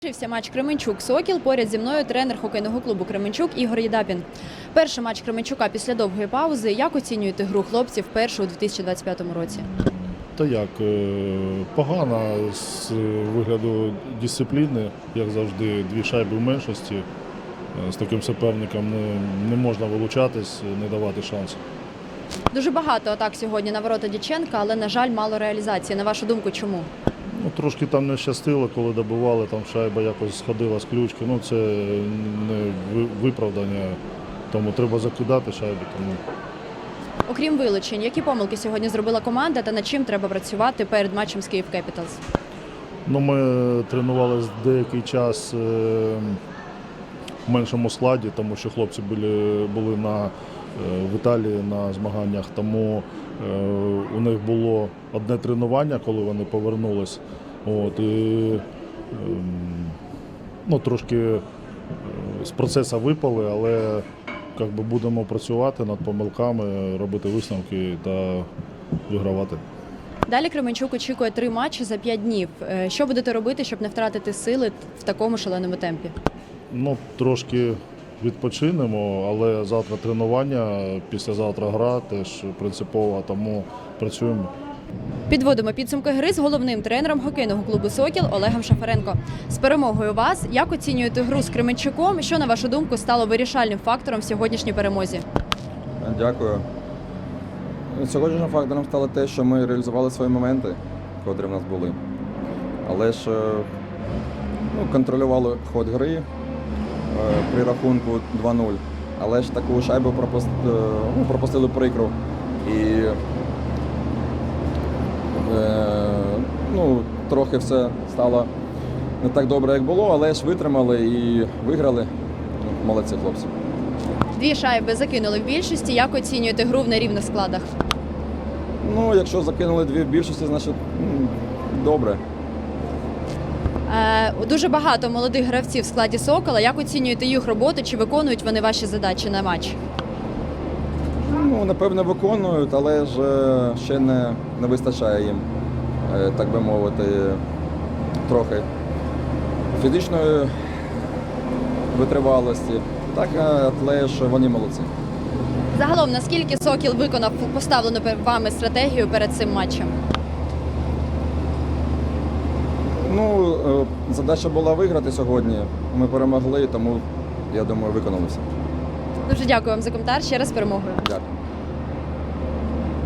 Завершився матч Кременчук-Сокіл. Поряд зі мною тренер хокейного клубу Кременчук Ігор Єдапін. Перший матч Кременчука після довгої паузи. Як оцінюєте гру хлопців першу у 2025 році? Та як, погано з вигляду дисципліни, як завжди, дві шайби в меншості. З таким суперником не можна вилучатись, не давати шансу. Дуже багато атак сьогодні на ворота Дяченка, але, на жаль, мало реалізації. На вашу думку, чому? Трошки там не щастило, коли добивали, там шайба якось сходила з ключки. Це не виправдання, тому треба закидати шайби. Окрім вилучень, які помилки сьогодні зробила команда та над чим треба працювати перед матчем з Київ Кепіталс? Ми тренувалися деякий час в меншому складі, тому що хлопці були в Італії на змаганнях, тому у них було одне тренування, коли вони повернулись. Трошки з процесу випали, але будемо працювати над помилками, робити висновки та вигравати. Далі Кременчук очікує 3 матчі за 5 днів. Що будете робити, щоб не втратити сили в такому шаленому темпі? Трошки відпочинемо, але завтра тренування, післязавтра гра теж принципова, тому працюємо. Підводимо підсумки гри з головним тренером хокейного клубу «Сокіл» Олегом Шафаренко. З перемогою вас, як оцінюєте гру з Кременчуком? Що, на вашу думку, стало вирішальним фактором в сьогоднішній перемозі? Дякую. Сьогоднішнім фактором стало те, що ми реалізували свої моменти, котрі в нас були. Але ж контролювали ход гри при рахунку 2-0. Але ж таку шайбу пропустили прикру. І трохи все стало не так добре, як було, але ж витримали і виграли. Молодці хлопці. 2 шайби закинули в більшості. Як оцінюєте гру в нерівних складах? Якщо закинули 2 в більшості, значить добре. Дуже багато молодих гравців в складі «Сокола». Як оцінюєте їх роботу? Чи виконують вони ваші задачі на матч? Напевно, виконують, але ж ще не вистачає їм, так би мовити, трохи фізичної витривалості. Так, але ж вони молодці. Загалом, наскільки «Сокіл» виконав поставлену вами стратегію перед цим матчем? Задача була виграти сьогодні. Ми перемогли, тому, я думаю, виконали все. Дуже дякую вам за коментар. Ще раз з перемогою. Дякую.